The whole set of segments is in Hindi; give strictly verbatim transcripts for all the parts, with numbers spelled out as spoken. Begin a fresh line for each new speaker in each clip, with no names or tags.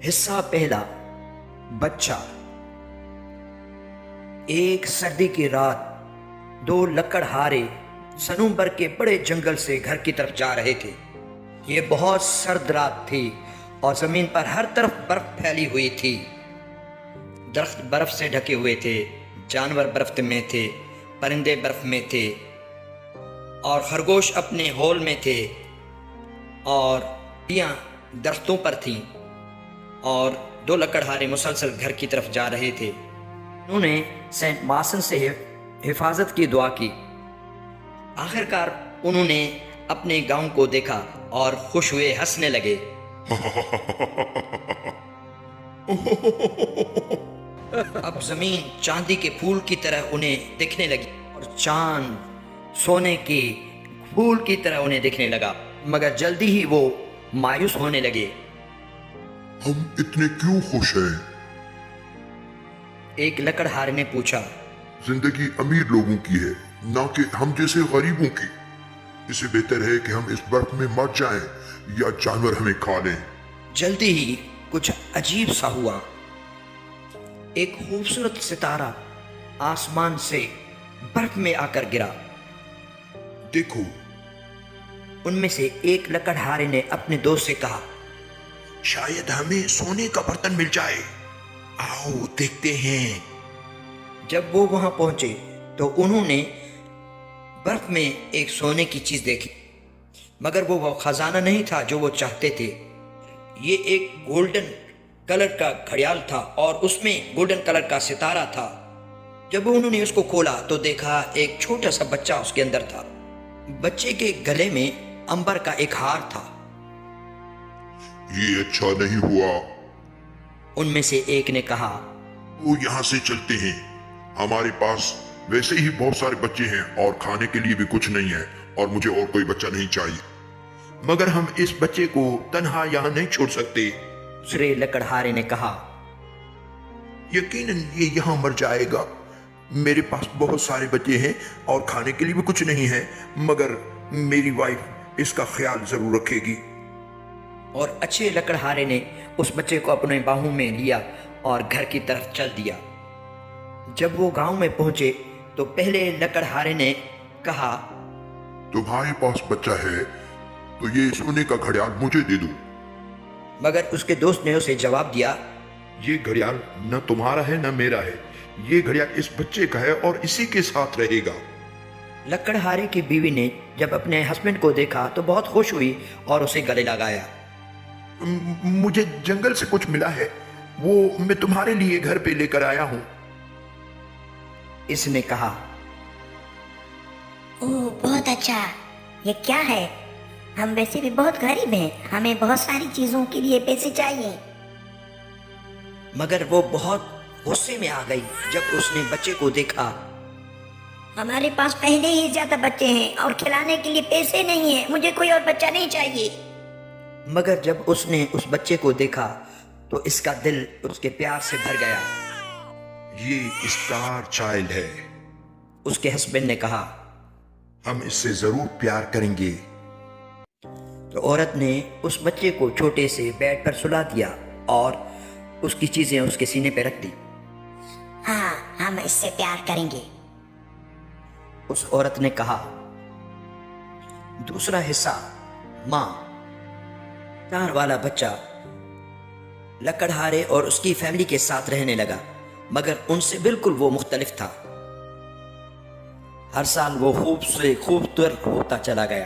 हिस्सा पहला। बच्चा। एक सर्दी की रात दो लकड़हारे सनूबर के बड़े जंगल से घर की तरफ जा रहे थे। ये बहुत सर्द रात थी और जमीन पर हर तरफ बर्फ फैली हुई थी। दरख्त बर्फ से ढके हुए थे, जानवर बर्फ में थे, परिंदे बर्फ में थे और खरगोश अपने होल में थे और चिड़ियाँ दरख्तों पर थीं। और दो लकड़हारे मुसलसल घर की तरफ जा रहे थे। उन्होंने सेंट मार्सन से हिफाजत की दुआ की। आखिरकार उन्होंने अपने गांव को देखा और खुश हुए हंसने लगे। अब जमीन चांदी के फूल की तरह उन्हें दिखने लगी और चांद सोने के फूल की तरह उन्हें दिखने लगा। मगर जल्दी ही वो मायूस होने लगे।
हम इतने क्यों खुश हैं?
एक लकड़हारे ने पूछा।
जिंदगी अमीर लोगों की है, ना कि हम जैसे गरीबों की। इससे बेहतर है कि हम इस बर्फ में मर जाएं या जानवर हमें खा लें।
जल्दी ही कुछ अजीब सा हुआ। एक खूबसूरत सितारा आसमान से बर्फ में आकर गिरा।
देखो,
उनमें से एक लकड़हारे ने अपने दोस्त से कहा,
शायद हमें सोने का बर्तन मिल जाए। आओ देखते हैं।
जब वो वहां पहुंचे तो उन्होंने बर्फ में एक सोने की चीज देखी, मगर वो वो खजाना नहीं था जो वो चाहते थे। ये एक गोल्डन कलर का घड़ियाल था और उसमें गोल्डन कलर का सितारा था। जब उन्होंने उसको खोला तो देखा एक छोटा सा बच्चा उसके अंदर था। बच्चे के गले में अंबर का एक हार था।
ये अच्छा नहीं हुआ।
उनमें से एक ने कहा,
वो यहाँ से चलते हैं। हमारे पास वैसे ही बहुत सारे बच्चे हैं और खाने के लिए भी कुछ नहीं है और मुझे और कोई बच्चा नहीं चाहिए।
मगर हम इस बच्चे को तन्हा यहाँ नहीं छोड़ सकते।
दूसरे लकड़हारे ने कहा,
यकीनन ये यहाँ मर जाएगा। मेरे पास बहुत सारे बच्चे हैं और खाने के लिए भी कुछ नहीं है, मगर मेरी वाइफ इसका ख्याल जरूर रखेगी।
और अच्छे लकड़हारे ने उस बच्चे को अपने बाहों में लिया और घर की तरफ चल दिया। जब वो गांव में पहुंचे तो पहले लकड़हारे ने कहा,
तुम्हारे पास बच्चा है तो ये सोने का घड़ियाल मुझे दे दो।
मगर उसके दोस्त ने उसे जवाब दिया,
ये घड़ियाल न तुम्हारा है न मेरा है। ये घड़ियाल इस बच्चे का है और इसी के साथ रहेगा।
लकड़हारे की बीवी ने जब अपने हस्बैंड को देखा तो बहुत खुश हुई और उसे गले लगाया।
म- मुझे जंगल से कुछ मिला है, वो मैं तुम्हारे लिए घर पे लेकर आया हूं।
इसने कहा,
ओह बहुत अच्छा। ये क्या है? हम वैसे भी बहुत गरीब हैं, हमें बहुत सारी चीजों के लिए पैसे चाहिए।
मगर वो बहुत गुस्से में आ गई जब उसने बच्चे को देखा।
हमारे पास पहले ही ज्यादा बच्चे हैं और खिलाने के लिए पैसे नहीं है। मुझे कोई और बच्चा नहीं चाहिए।
मगर जब उसने उस बच्चे को देखा तो इसका दिल उसके प्यार से भर गया।
ये स्टार चाइल्ड है।
उसके हस्बैंड ने कहा।
हम इससे जरूर प्यार करेंगे।
तो औरत ने उस बच्चे को छोटे से बेड पर सुला दिया और उसकी चीजें उसके सीने पर रख दी।
हाँ, हम इससे प्यार करेंगे।
उस औरत ने कहा। दूसरा हिस्सा। माँ। चार वाला बच्चा लकड़हारे और उसकी फैमिली के साथ रहने लगा, मगर उनसे बिल्कुल वो मुख्तलिफ था। हर साल वो खूब से खूबसूरत होता चला गया।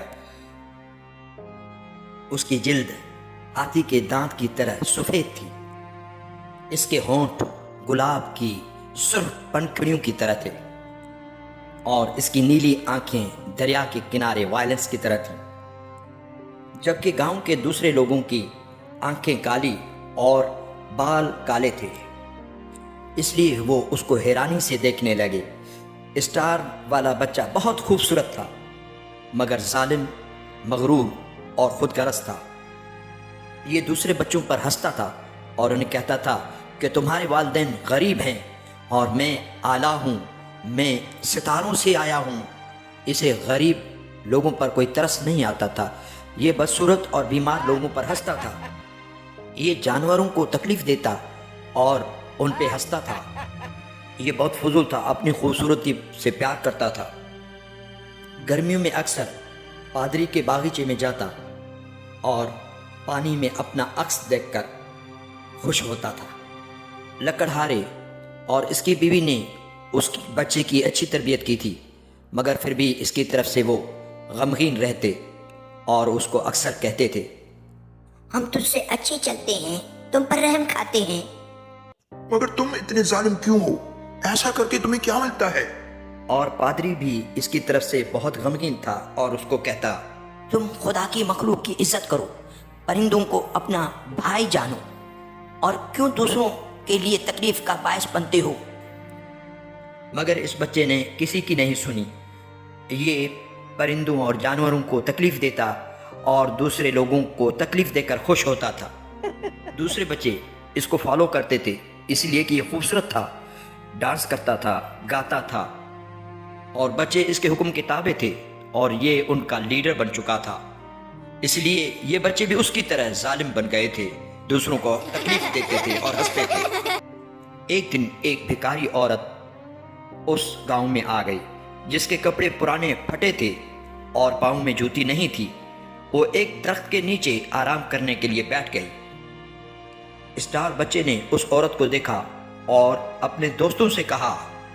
उसकी जिल्द हाथी के दांत की तरह सफेद थी। इसके होंठ गुलाब की सुर्ख पंखुड़ियों की तरह थे और इसकी नीली आंखें दरिया के किनारे वायलेंस की तरह थीं। जबकि गांव के दूसरे लोगों की आंखें काली और बाल काले थे, इसलिए वो उसको हैरानी से देखने लगे। स्टार वाला बच्चा बहुत खूबसूरत था, मगर जालिम, मगरूर और खुदगर्ज था। ये दूसरे बच्चों पर हंसता था और उन्हें कहता था कि तुम्हारे वालिदैन गरीब हैं और मैं आला हूँ, मैं सितारों से आया हूँ। इसे गरीब लोगों पर कोई तरस नहीं आता था। ये बदसूरत और बीमार लोगों पर हंसता था। ये जानवरों को तकलीफ देता और उन पे हंसता था। ये बहुत फजूल था, अपनी खूबसूरती से प्यार करता था। गर्मियों में अक्सर पादरी के बागीचे में जाता और पानी में अपना अक्स देखकर खुश होता था। लकड़हारे और इसकी बीवी ने उसकी बच्चे की अच्छी तरबियत की थी, मगर फिर भी इसकी तरफ से वो गमगीन रहते और उसको अक्सर कहते थे,
हम तुझसे अच्छे चलते हैं, तुम पर रहम खाते हैं।
मगर तुम इतने जालिम क्यों हो? ऐसा करके तुम्हें क्या मिलता है?
और पादरी भी इसकी तरफ से बहुत गमगीन था और उसको कहता, तुम खुदा की मखलूक की इज्जत करो, परिंदों को अपना भाई जानो और क्यों दूसरों के लिए तकलीफ का बायस बनते हो। मगर इस बच्चे ने किसी की नहीं सुनी। ये परिंदों और जानवरों को तकलीफ देता और दूसरे लोगों को तकलीफ देकर खुश होता था। दूसरे बच्चे इसको फॉलो करते थे इसलिए कि ये खूबसूरत था, डांस करता था, गाता था और बच्चे इसके हुक्म के ताबे थे और ये उनका लीडर बन चुका था। इसलिए ये बच्चे भी उसकी तरह जालिम बन गए थे, दूसरों को तकलीफ देते थे और हंसते थे। एक दिन एक भिखारी औरत उस गांव में आ गई जिसके कपड़े पुराने फटे थे और पाँव में जूती नहीं थी। वो एक दरख्त के नीचे आराम करने के लिए बैठ गई। स्टार बच्चे ने उस औरत को देखा और अपने दोस्तों से कहा,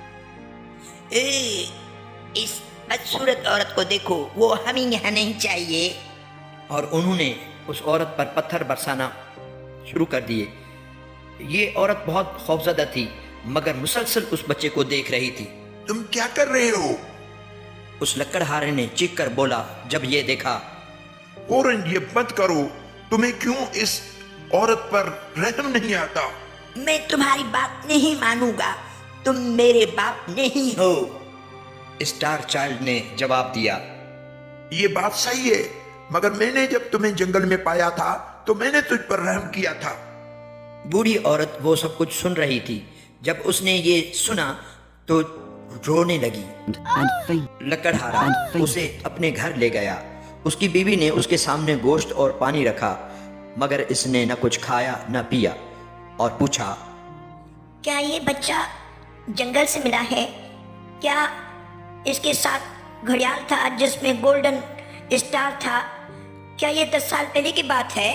ए, इस बदसूरत औरत को देखो, वो हमें यहाँ नहीं चाहिए।
और उन्होंने उस औरत पर पत्थर बरसाना शुरू कर दिए। ये औरत बहुत खौफजदा थी मगर मुसलसल उस बच्चे को देख रही थी।
तुम क्या कर रहे हो?
उस लकड़हारे ने चीख कर बोला जब ये देखा,
फौरन ये बंद करो, तुम्हें क्यों इस औरत पर रहम नहीं आता?
मैं तुम्हारी बात नहीं मानूंगा, तुम मेरे बाप नहीं हो।
स्टार चाइल्ड ने जवाब दिया,
ये बात सही है, मगर मैंने जब तुम्हें जंगल में पाया था तो मैंने तुझ पर रहम किया था।
बूढ़ी औरत वो सब कुछ सुन रही थी। जब उसने ये सुना तो रोने लगी। लकड़हारा उसे अपने घर ले गया। उसकी बीवी ने उसके सामने गोश्त और पानी रखा मगर इसने न कुछ खाया न पिया और पूछा,
क्या ये बच्चा जंगल से मिला है? क्या इसके साथ घड़ियाल था जिसमें गोल्डन स्टार था? क्या ये दस साल पहले की बात है?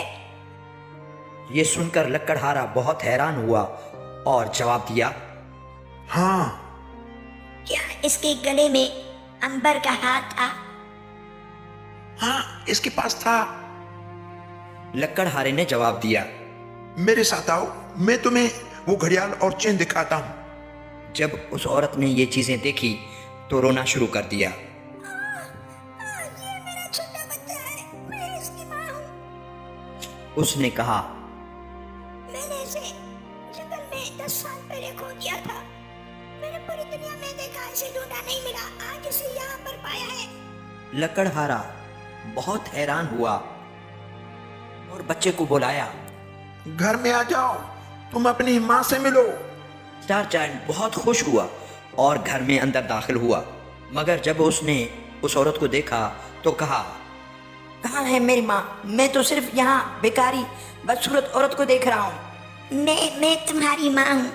ये सुनकर लकड़हारा बहुत हैरान हुआ और जवाब दिया,
हाँ।
क्या इसके गले में अंबर का हार था?
हाँ, इसके पास था।
लकड़हारे ने जवाब दिया,
मेरे साथ आओ, मैं तुम्हें वो घड़ियाल और चेन दिखाता हूं।
जब उस औरत ने ये चीजें देखी तो रोना शुरू कर दिया।
ये मेरा छोटा बच्चा है, मैं इसकी माँ हूँ।
उसने कहा,
मैंने इसे जंगल में दस साल पहले खो दिया था। मैंने पूरी दुनिया में देखा, इसे ढूंढा नहीं मिला, आज इसे यहाँ पर पाया है।
लकड़हारा बहुत हैरान हुआ और बच्चे को बुलाया।
घर में आ जाओ, तुम अपनी माँ से मिलो।
स्टार चाइल्ड बहुत खुश हुआ और घर में अंदर दाखिल हुआ मगर जब उसने उस औरत को देखा तो कहा,
कहाँ है मेरी माँ? मैं तो सिर्फ यहाँ बेकारी बदसूरत औरत को देख रहा हूँ। मैं मैं तुम्हारी माँ हूँ।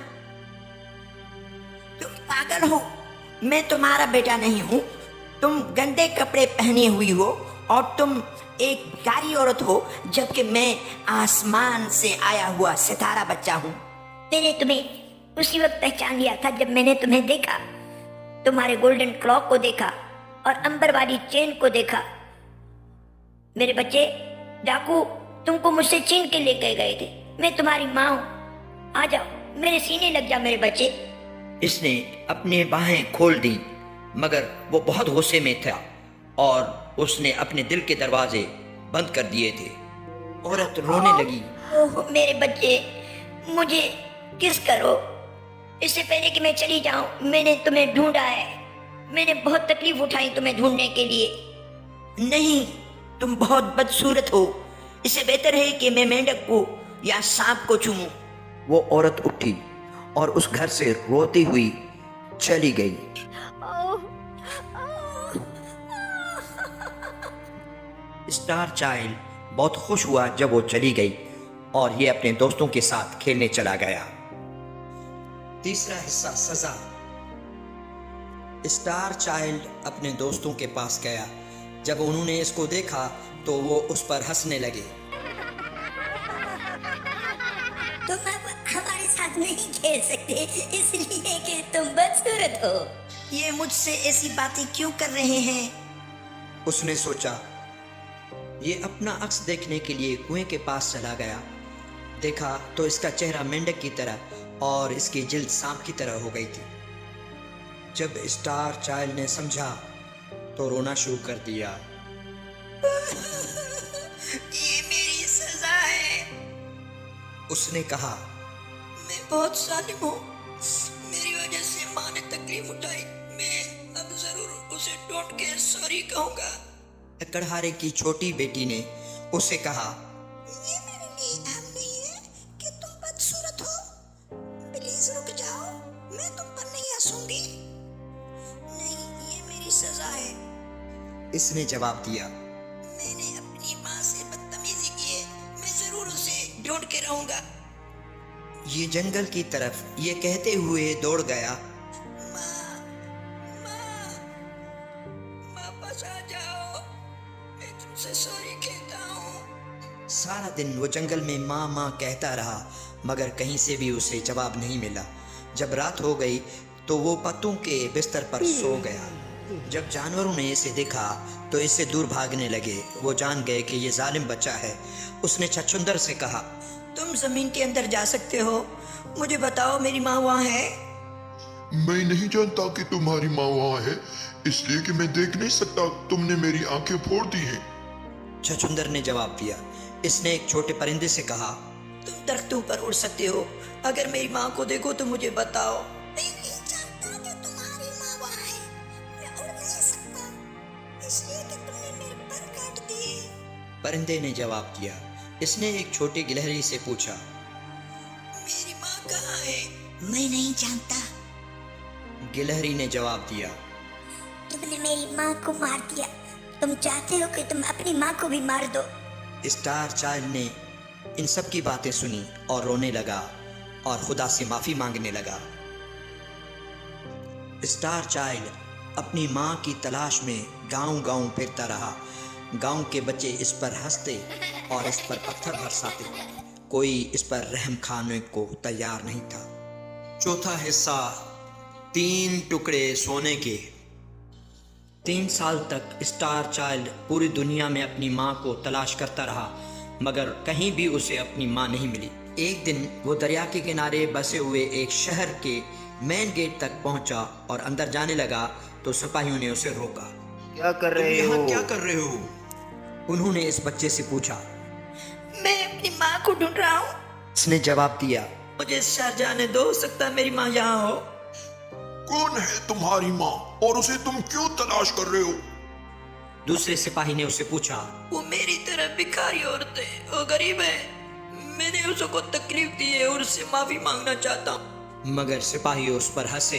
तुम पागल हो, मैं तुम्हारा बेटा नहीं हूँ। तुम गंदे कपड़े पहने हुई हो और तुम एक भिखारी औरत हो, जबकि मैं आसमान से आया हुआ सितारा बच्चा हूँ। मैंने तुम्हें उसी वक्त पहचान लिया था जब मैंने तुम्हें देखा, तुम्हारे गोल्डन क्लॉक को देखा और अंबर वाली चेन को देखा। मेरे बच्चे, डाकू तुमको मुझसे छीन के लेके गए थे। मैं तुम्हारी माँ हूँ, आ जाओ, मेरे सीने लग जा मेरे बच्चे।
इसने अपनी बाहें खोल दी मगर वो बहुत गुस्से में था और उसने अपने दिल के दरवाजे बंद कर दिए थे। औरत रोने लगी,
ओह मेरे बच्चे, मुझे किस करो। इससे पहले कि मैं चली जाऊं, मैंने तुम्हें ढूंढा है। मैंने बहुत तकलीफ उठाई तुम्हें ढूंढने के लिए। नहीं, तुम बहुत बदसूरत हो। इससे बेहतर है कि मैं मेंढक को या सांप को चूमूं।
वो औरत उठी और उस घर से रोती हुई चली गई। स्टार चाइल्ड बहुत खुश हुआ जब वो चली गई और ये अपने दोस्तों के साथ खेलने चला गया। तीसरा हिस्सा, सजा। स्टार चाइल्ड अपने दोस्तों के पास गया। जब उन्होंने इसको देखा तो वो उस पर हंसने लगे।
तुम अब हमारे साथ नहीं खेल सकते इसलिए कि तुम बदसूरत हो।
ये मुझसे ऐसी बातें क्यों कर रहे हैं?
उसने सोचा। ये अपना अक्स देखने के लिए कुएं के पास चला गया। देखा तो इसका चेहरा मेंढक की तरह और इसकी जिल्द सांप की तरह हो गई थी। जब स्टार चाइल्ड ने समझा तो रोना शुरू कर दिया।
ये मेरी सजा है।
उसने कहा,
मैं बहुत जालिम हूँ। मेरी वजह से माँ ने तकलीफ उठाई। मैं अब जरूर उसे डांट के सॉरी कहूँगा।
लकड़हारे की छोटी बेटी ने उसे कहा,
ये मेरे लिए अहम नहीं है कि तुम बदसूरत हो। प्लीज रुक जाओ, मैं तुम पर नहीं हंसूंगी। नहीं, ये मेरी सजा है।
इसने जवाब दिया।
मैंने अपनी माँ से बदतमीजी की है। मैं जरूर उसे डांट के रहूंगा।
ये जंगल की तरफ ये कहते हुए दौड़ गया।
माँ, माँ, वापस आ जाओ। मैं तुमसे सॉरी कहता हूँ।
सारा दिन वो जंगल में माँ माँ कहता रहा मगर कहीं से भी उसे जवाब नहीं मिला। जब रात हो गई तो वो पत्तों के बिस्तर पर सो गया। जब जानवरों ने इसे देखा तो इससे दूर भागने लगे। वो जान गए कि ये जालिम बच्चा है। उसने छछूंदर से कहा,
तुम जमीन के अंदर जा सकते हो। मुझे बताओ, मेरी माँ वहाँ है?
मैं नहीं जानता कि तुम्हारी माँ वहाँ है, इसलिए कि मैं देख नहीं सकता। तुमने मेरी आंखें फोड़ दी हैं।
छछूंदर ने जवाब दिया। इसने एक छोटे परिंदे से कहा,
तुम दरख्तों पर उड़ सकते हो। अगर मेरी माँ को देखो तो मुझे बताओ। मैं नहीं जानता कि तुम्हारी माँ वहाँ है। मैं उड़ नहीं सकता, इसलिए कि तुमने मेरे पर काट दिए।
परिंदे ने जवाब दिया। इसने एक छोटी गिलहरी से पूछा,
मेरी माँ कहाँ है?
मैं नहीं जानता।
गिलहरी ने जवाब दिया।
तुमने मेरी माँ को मार दिया। तुम चाहते हो कि तुम अपनी माँ को भी मार दो।
स्टार चाइल्ड ने इन सब की बातें सुनी और रोने लगा और खुदा से माफी मांगने लगा। स्टार चाइल्ड अपनी माँ की तलाश में गांव-गांव फिरता रहा। गांव के बच्चे इस पर हंसते और इस पर पत्थर बरसाते। कोई इस पर रहम खाने को तैयार नहीं था। चौथा हिस्सा, तीन टुकड़े सोने के। तीन साल तक स्टार चाइल्ड पूरी दुनिया में अपनी माँ को तलाश करता रहा मगर कहीं भी उसे अपनी माँ नहीं मिली। एक दिन वो दरिया के किनारे बसे हुए एक शहर के मेन गेट तक पहुंचा और अंदर जाने लगा तो सिपाहियों ने उसे रोका।
क्या कर रहे हो?
यहाँ क्या कर रहे हो? उन्होंने इस बच्चे से पूछा।
मैं अपनी माँ को ढूंढ रहा हूँ।
उसने जवाब दिया।
मुझे शहर जाने दो, हो सकता है मेरी माँ यहाँ हो।
कौन है तुम्हारी माँ और उसे तुम क्यों तलाश कर रहे हो?
दूसरे सिपाही ने उससे पूछा।
वो मेरी तरह भिखारी औरत है, वो गरीब है। मैंने उसको तकलीफ दी है और उससे माफी मांगना चाहता हूँ।
मगर सिपाही उस पर हंसे।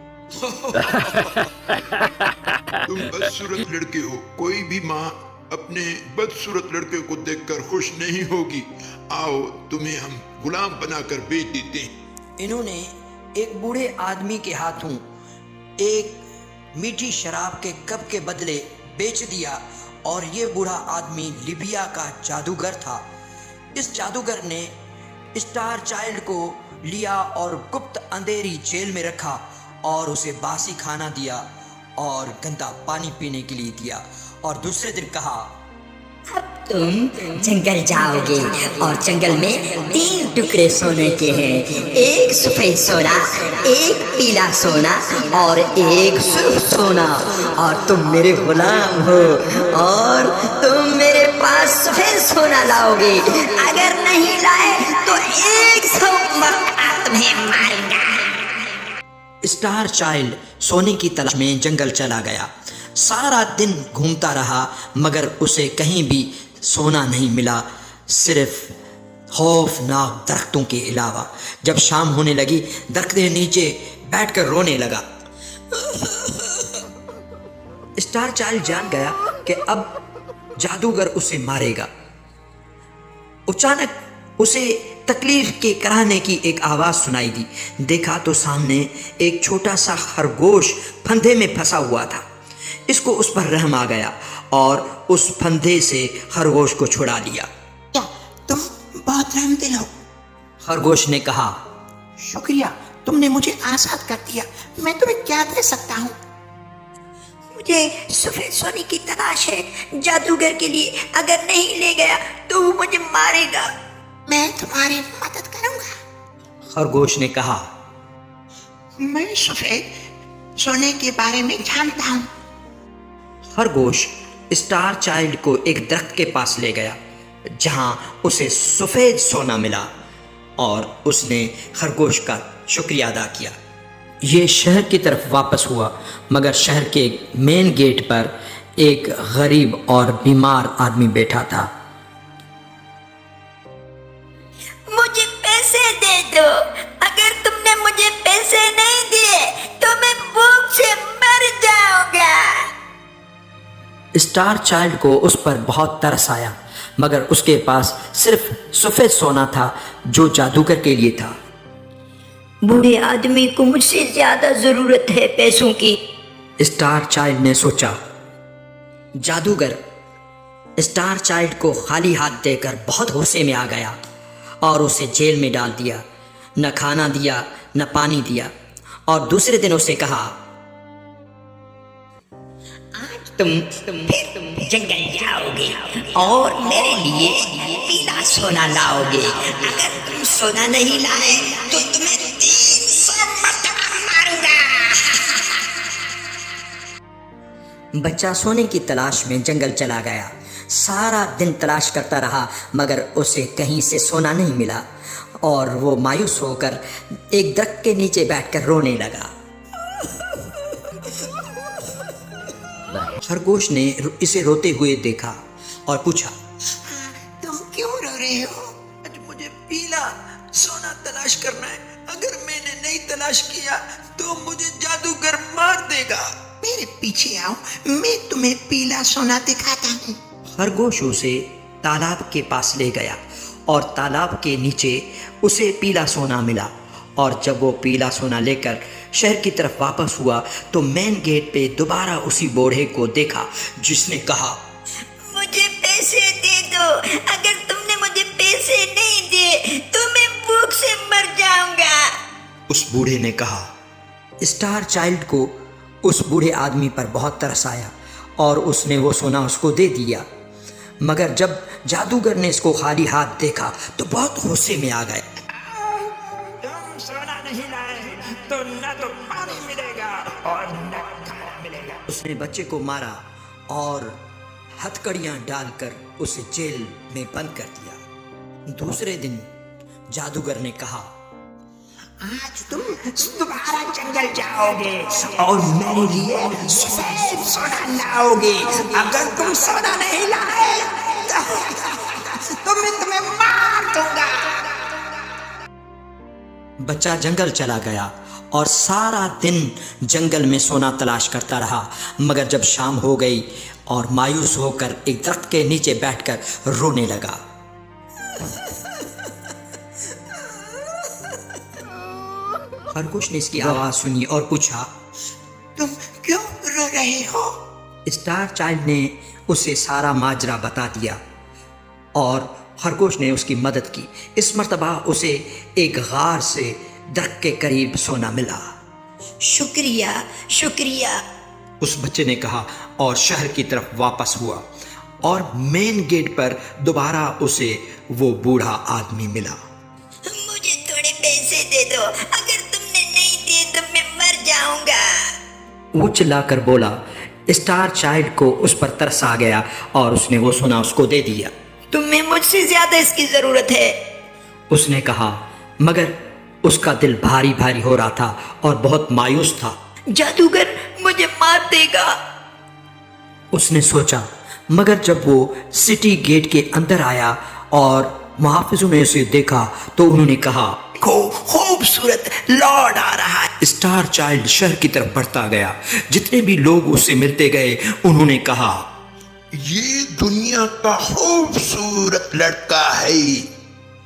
तुम बदसूरत लड़के हो। कोई भी माँ अपने बदसूरत लड़के को देखकर खुश नहीं होगी। आओ, तुम्हें हम गुलाम बनाकर बेच देते हैं।
इन्होंने एक बूढ़े आदमी के हाथों एक मीठी शराब के कप के बदले बेच दिया और ये बूढ़ा आदमी लिबिया का जादूगर था। इस जादूगर ने स्टार चाइल्ड को लिया और गुप्त अंधेरी जेल में रखा और उसे बासी खाना दिया और गंदा पानी पीने के लिए दिया और दूसरे दिन कहा,
अब तुम जंगल जाओगे और जंगल में तीन टुकड़े सोने के हैं। एक सफेद सोना, एक पीला सोना और एक सुर्ख सोना। और तुम मेरे गुलाम हो और तुम मेरे पास सफेद सोना लाओगे। अगर नहीं लाए तो एक सौ मक्का तुम्हें मारूंगा।
स्टार चाइल्ड सोने की तलाश में जंगल चला गया। सारा दिन घूमता रहा मगर उसे कहीं भी सोना नहीं मिला, सिर्फ खौफनाक दरख्तों के अलावा। जब शाम होने लगी, दरख्त के नीचे बैठकर रोने लगा। स्टार चाइल्ड जान गया कि अब जादूगर उसे मारेगा। अचानक उसे तकलीफ के कराने की एक आवाज़ सुनाई दी। देखा तो सामने एक छोटा सा खरगोश फंदे में फंसा हुआ था। इसको उस पर रहम आ गया और उस फंदे से खरगोश को छुड़ा लिया।
क्या तुम बहुत रहमदिल हो?
खरगोश ने कहा,
शुक्रिया, तुमने मुझे आज़ाद कर दिया। मैं तुम्हें क्या दे सकता हूँ? मुझे सफेद सोने की तलाश है जादूगर के लिए। अगर नहीं ले गया तो वो मुझे मारेगा। मैं तुम्हारी मदद करूंगा।
खरगोश ने कहा,
मैं सफेद सोने के बारे में जानता हूँ।
खरगोश स्टार चाइल्ड को एक दरख्त के पास ले गया जहां उसे सफेद सोना मिला और उसने खरगोश का शुक्रिया अदा किया। ये शहर की तरफ वापस हुआ, मगर शहर के मेन गेट पर एक गरीब और बीमार आदमी बैठा था।
मुझे पैसे दे दो। अगर तुमने मुझे पैसे नहीं दिए तो मैं भूख से मर जाऊंगा।
स्टार चाइल्ड को उस पर बहुत तरस आया, मगर उसके पास सिर्फ सफेद सोना था जो जादूगर के लिए था।
बूढ़े आदमी को मुझसे ज्यादा जरूरत है पैसों की।
स्टार चाइल्ड ने सोचा। जादूगर स्टार चाइल्ड को खाली हाथ देकर बहुत गुस्से में आ गया और उसे जेल में डाल दिया। न खाना दिया न पानी दिया और दूसरे दिन उसे कहा,
तुम फिर जंगल जाओगे और मेरे लिए पीला सोना लाओगे। अगर तुम सोना नहीं लाए तो तुम्हें तीन सौ मरतबा मारूंगा।
बच्चा सोने की तलाश में जंगल चला गया। सारा दिन तलाश करता रहा, मगर उसे कहीं से सोना नहीं मिला और वो मायूस होकर एक दरख्त के नीचे बैठकर रोने लगा। खरगोश ने इसे रोते हुए देखा और पूछा,
तुम क्यों रो रहे हो?
आज मुझे पीला सोना तलाश करना है। अगर मैंने नहीं तलाश किया तो मुझे जादूगर मार देगा।
मेरे पीछे आओ, मैं तुम्हें पीला सोना दिखाता हूँ।
खरगोश उसे तालाब के पास ले गया और तालाब के नीचे उसे पीला सोना मिला। और जब वो पीला सोना लेकर शहर की तरफ वापस हुआ तो मेन गेट पे दोबारा उसी बूढ़े को देखा जिसने कहा,
मुझे पैसे दे दो। अगर तुमने मुझे पैसे नहीं दिए तो मैं भूख से मर जाऊंगा।
उस बूढ़े ने कहा। स्टार चाइल्ड को उस बूढ़े आदमी पर बहुत तरस आया और उसने वो सोना उसको दे दिया। मगर जब जादूगर ने इसको खाली हाथ देखा तो बहुत गुस्से में आ गए।
तुम सोना नहीं लाए तो न तो पानी मिलेगा और न खाना मिलेगा।
उसने बच्चे को मारा और हथकड़ियां डालकर उसे जेल में बंद कर दिया। दूसरे दिन जादूगर ने कहा,
आज तुम दोबारा जंगल जाओगे और मेरे लिए सफेद सोना लाओगे। अगर तुम सोना नहीं लाए तो मैं तुम्हें मार दूंगा।
बच्चा जंगल चला गया और सारा दिन जंगल में सोना तलाश करता रहा। मगर जब शाम हो गई और मायूस होकर एक दरख्त के नीचे बैठकर रोने लगा। खरगोश ने इसकी आवाज सुनी और पूछा,
तुम क्यों रो रहे हो?
स्टार चाइल्ड ने उसे सारा माजरा बता दिया और खरगोश ने उसकी मदद की। इस मर्तबा उसे एक गार से दरख्त के करीब सोना मिला।
शुक्रिया शुक्रिया,
उस बच्चे ने कहा और शहर की तरफ वापस हुआ और मेन गेट पर दोबारा उसे वो बूढ़ा आदमी मिला।
मुझे थोड़े पैसे दे दो। अगर तुमने नहीं दिए तो मैं मर जाऊंगा।
वो चिल्लाकर बोला। स्टार चाइल्ड को उस पर तरस आ गया और उसने वो सोना उसको दे दिया।
तुम्हें मुझसे ज्यादा इसकी जरूरत है,
उसने कहा, मगर उसका दिल भारी भारी हो रहा था और बहुत मायूस था।
जादूगर मुझे मार देगा,
उसने सोचा। मगर जब वो सिटी गेट के अंदर आया और मुहाफिजों ने उसे देखा तो उन्होंने कहा,
खूबसूरत लॉर्ड आ रहा है।
स्टार चाइल्ड शहर की तरफ बढ़ता गया। जितने भी लोग उससे मिलते गए उन्होंने कहा,
ये दुनिया का खूबसूरत लड़का है।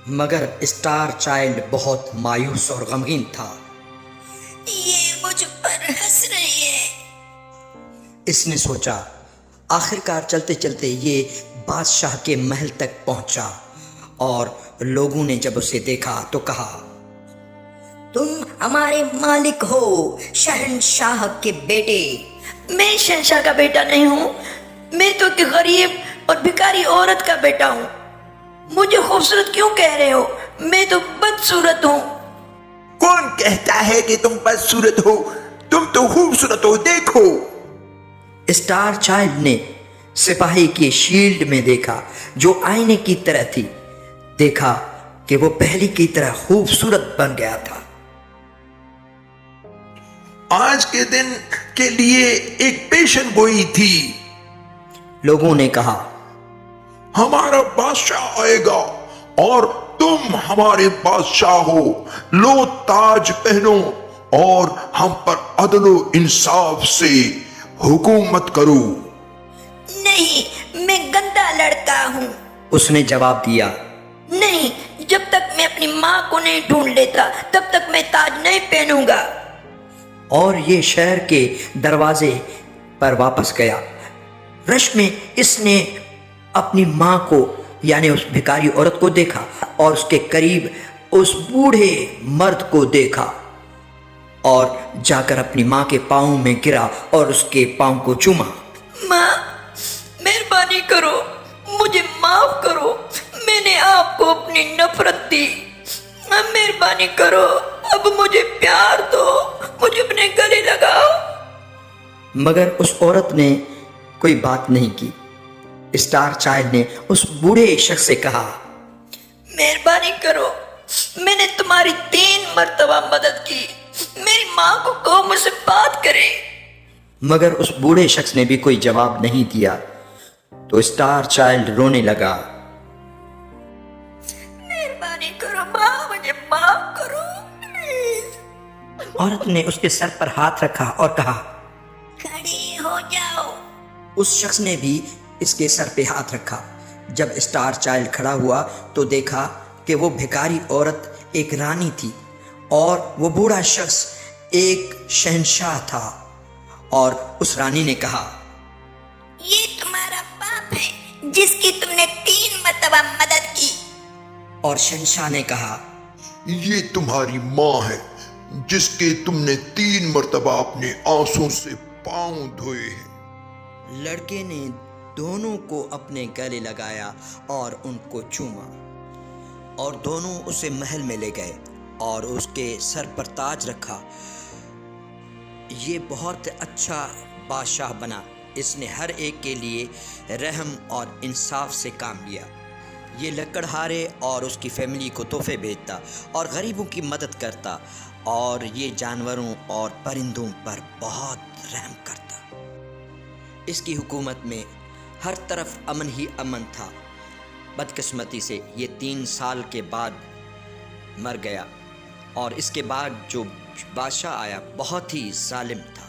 मगर स्टार चाइल्ड बहुत मायूस और गमगीन था।
ये मुझ पर हंस रही है।
इसने सोचा। आखिरकार चलते चलते ये बादशाह के महल तक पहुंचा और लोगों ने जब उसे देखा तो कहा,
तुम हमारे मालिक हो, शहंशाह के बेटे। मैं शहंशाह का बेटा नहीं हूँ, मैं तो एक गरीब और भिखारी औरत का बेटा हूँ। मुझे खूबसूरत क्यों कह रहे हो? मैं तो बदसूरत हूँ।
कौन कहता है कि तुम बदसूरत हो? तुम तो खूबसूरत हो, देखो।
स्टार चाइल्ड ने सिपाही की शील्ड में देखा जो आईने की तरह थी। देखा कि वो पहले की तरह खूबसूरत बन गया था।
आज के दिन के लिए एक पेशन गोई थी।
लोगों ने कहा,
हमारा बादशाह आएगा और तुम हमारे बादशाह हो। लो ताज पहनो और हम पर अदलो इंसाफ से हुकूमत करो।
नहीं, मैं गंदा लड़का हूँ।
उसने जवाब दिया।
नहीं, जब तक मैं अपनी माँ को नहीं ढूंढ लेता तब तक मैं ताज नहीं पहनूंगा।
और ये शहर के दरवाजे पर वापस गया। रश में इसने अपनी माँ को यानी उस भिखारी औरत को देखा और उसके करीब उस बूढ़े मर्द को देखा और जाकर अपनी माँ के पाँव में गिरा और उसके पाँव को चूमा।
माँ, मेहरबानी करो, मुझे माफ करो। मैंने आपको अपनी नफरत दी। माँ, मेहरबानी करो, अब मुझे प्यार दो, मुझे अपने गले लगाओ।
मगर उस औरत ने कोई बात नहीं की। स्टार चाइल्ड ने उस बूढ़े शख्स से कहा,
मेहरबानी करो, मैंने तुम्हारी तीन मर्तबा मदद की। मेरी माँ को कहो मुझसे बात करे।
मगर उस बूढ़े शख्स ने भी कोई जवाब नहीं दिया। तो स्टार चाइल्ड रोने लगा।
मेहरबानी करो माँ, मुझे माफ करो प्लीज।
औरत ने उसके सर पर हाथ रखा और कहा,
खड़ी हो जाओ।
उस शख्स ने भी इसके सर पे हाथ रखा। जब स्टार चाइल्ड खड़ा हुआ तो देखा कि वो भिखारी औरत एक रानी थी और वो बूढ़ा शख्स एक शहंशाह था। और उस रानी ने कहा,
ये तुम्हारा बाप है जिसकी तुमने तीन मर्तबा मदद की।
और शहंशाह ने कहा,
ये तुम्हारी माँ है जिसके तुमने तीन मर्तबा अपने आंसू से पांव धोए हैं।
लड़के ने दोनों को अपने गले लगाया और उनको चूमा और दोनों उसे महल में ले गए और उसके सर पर ताज रखा। ये बहुत अच्छा बादशाह बना। इसने हर एक के लिए रहम और इंसाफ से काम लिया। ये लकड़हारे और उसकी फैमिली को तोहफे भेजता और गरीबों की मदद करता और ये जानवरों और परिंदों पर बहुत रहम करता। इसकी हुकूमत में हर तरफ अमन ही अमन था। बदकिस्मती से ये तीन साल के बाद मर गया और इसके बाद जो बादशाह आया बहुत ही जालिम था।